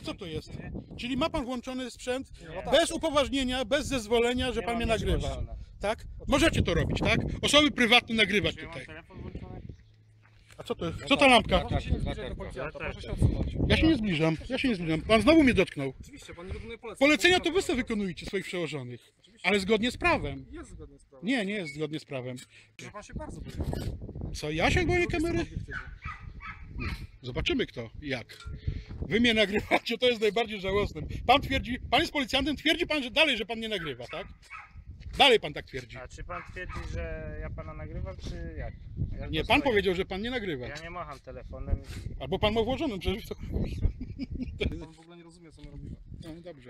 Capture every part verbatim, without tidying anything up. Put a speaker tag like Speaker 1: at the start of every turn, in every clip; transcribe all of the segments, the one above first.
Speaker 1: co to jest? Czyli ma pan włączony sprzęt
Speaker 2: No tak.
Speaker 1: bez upoważnienia, bez zezwolenia, że
Speaker 2: Nie
Speaker 1: pan
Speaker 2: mam
Speaker 1: mnie
Speaker 2: nic
Speaker 1: nagrywa.
Speaker 2: włączone.
Speaker 1: Tak? Możecie to robić, tak? Osoby prywatne nagrywać
Speaker 2: Czy ja mam
Speaker 1: tutaj.
Speaker 2: telefon włączony?
Speaker 1: A co to jest?
Speaker 2: No
Speaker 1: Co ta
Speaker 2: tak,
Speaker 1: lampka?
Speaker 2: tak.
Speaker 3: Proszę się nie zbliżać do policjanta, proszę się odsunąć.
Speaker 1: Ja się nie zbliżam, ja się nie zbliżam. Pan znowu mnie dotknął.
Speaker 3: Oczywiście, pan nie wykonuje poleceń.
Speaker 1: Polecenia to wy sobie wykonujecie swoich przełożonych. Ale zgodnie z prawem.
Speaker 3: Jest zgodnie z prawem.
Speaker 1: Nie, nie jest zgodnie z prawem.
Speaker 3: Że pan się bardzo boję.
Speaker 1: Co, ja się boję kamery?
Speaker 3: Obiektywy.
Speaker 1: Zobaczymy kto i jak. Wy mnie nagrywacie, to jest najbardziej żałosne. Pan twierdzi, pan jest policjantem, twierdzi pan, że dalej, że pan nie nagrywa, tak? Dalej pan tak twierdzi.
Speaker 2: A czy pan twierdzi, że ja pana nagrywam, czy jak? Ja
Speaker 1: Nie,
Speaker 2: to
Speaker 1: pan
Speaker 2: stoję.
Speaker 1: powiedział, że pan nie nagrywa.
Speaker 2: Ja nie macham telefonem.
Speaker 1: Albo pan ma włożonym, przecież to...
Speaker 3: Pan w ogóle nie rozumie, co my robimy.
Speaker 1: No dobrze.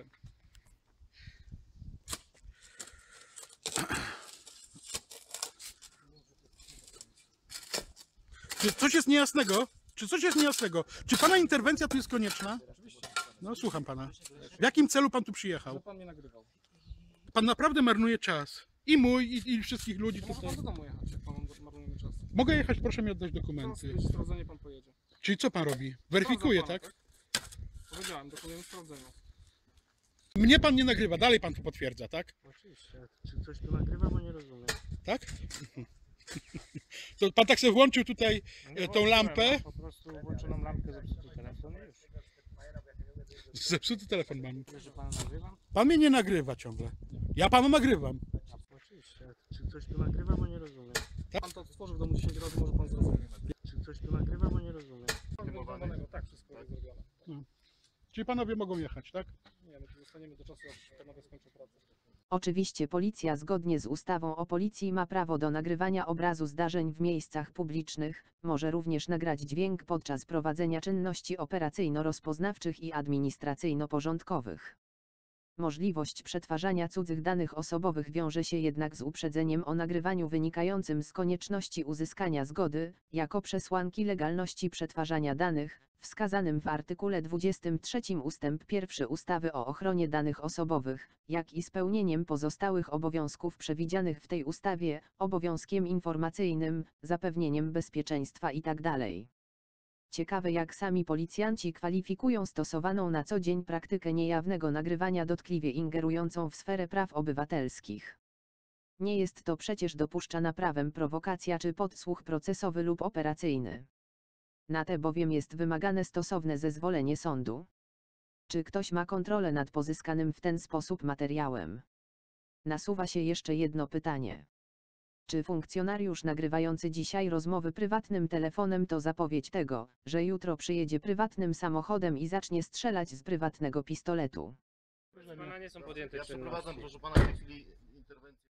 Speaker 1: Czy coś jest niejasnego? Czy coś jest niejasnego? Czy pana interwencja tu jest konieczna?
Speaker 3: Oczywiście.
Speaker 1: No słucham pana. W jakim celu pan tu przyjechał?
Speaker 3: Że pan mnie nagrywał.
Speaker 1: Pan naprawdę marnuje czas. I mój, i, i wszystkich ludzi
Speaker 3: To może
Speaker 1: tutaj.
Speaker 3: pan do domu jechać, jak pan marnujemy czas.
Speaker 1: Mogę jechać, proszę mi oddać
Speaker 3: Zaraz
Speaker 1: dokumenty.
Speaker 3: będzie sprawdzenie, pan pojedzie.
Speaker 1: Czyli co pan robi? Weryfikuje,
Speaker 3: Sprawdzam
Speaker 1: tak?
Speaker 3: pana, Powiedziałem, dokonujemy sprawdzenia.
Speaker 1: Mnie pan nie nagrywa, dalej pan to potwierdza, tak?
Speaker 2: Oczywiście. Czy coś tu nagrywa, bo nie rozumiem.
Speaker 1: Tak? To pan tak sobie włączył tutaj
Speaker 2: Nie
Speaker 1: e, tą
Speaker 2: włączyłem,
Speaker 1: lampę.
Speaker 2: mam po prostu włączoną lampkę, zepsuty telefon i już.
Speaker 1: Zepsuty telefon mam.
Speaker 2: Wiesz, że pana nagrywam?
Speaker 1: Pan mnie nie nagrywa ciągle. Ja panu nagrywam.
Speaker 2: Oczywiście. Czy coś tu nagrywa, bo nie rozumiem.
Speaker 3: Pan to otworzy w domu dziesięć razy, może pan zrozumieć.
Speaker 2: Czy coś tu nagrywa, bo nie rozumiem.
Speaker 3: Tak, wszystko jest zrobione.
Speaker 1: Czyli panowie mogą jechać, tak?
Speaker 3: Nie, my tu zostaniemy do czasu, aż panowie skończą pracę.
Speaker 4: Oczywiście policja zgodnie z ustawą o policji ma prawo do nagrywania obrazu zdarzeń w miejscach publicznych, może również nagrać dźwięk podczas prowadzenia czynności operacyjno-rozpoznawczych i administracyjno-porządkowych. Możliwość przetwarzania cudzych danych osobowych wiąże się jednak z uprzedzeniem o nagrywaniu wynikającym z konieczności uzyskania zgody, jako przesłanki legalności przetwarzania danych, wskazanym w artykule dwudziestym trzecim ustęp pierwszy ustawy o ochronie danych osobowych, jak i spełnieniem pozostałych obowiązków przewidzianych w tej ustawie, obowiązkiem informacyjnym, zapewnieniem bezpieczeństwa itd. Ciekawe, jak sami policjanci kwalifikują stosowaną na co dzień praktykę niejawnego nagrywania dotkliwie ingerującą w sferę praw obywatelskich. Nie jest to przecież dopuszczana prawem prowokacja czy podsłuch procesowy lub operacyjny. Na te bowiem jest wymagane stosowne zezwolenie sądu. Czy ktoś ma kontrolę nad pozyskanym w ten sposób materiałem? Nasuwa się jeszcze jedno pytanie. Czy funkcjonariusz nagrywający dzisiaj rozmowy prywatnym telefonem to zapowiedź tego, że jutro przyjedzie prywatnym samochodem i zacznie strzelać z prywatnego pistoletu?
Speaker 2: Proszę pana, nie są podjęte
Speaker 5: Ja przeprowadzam,
Speaker 2: czynności.
Speaker 5: proszę pana, w tej chwili interwencję.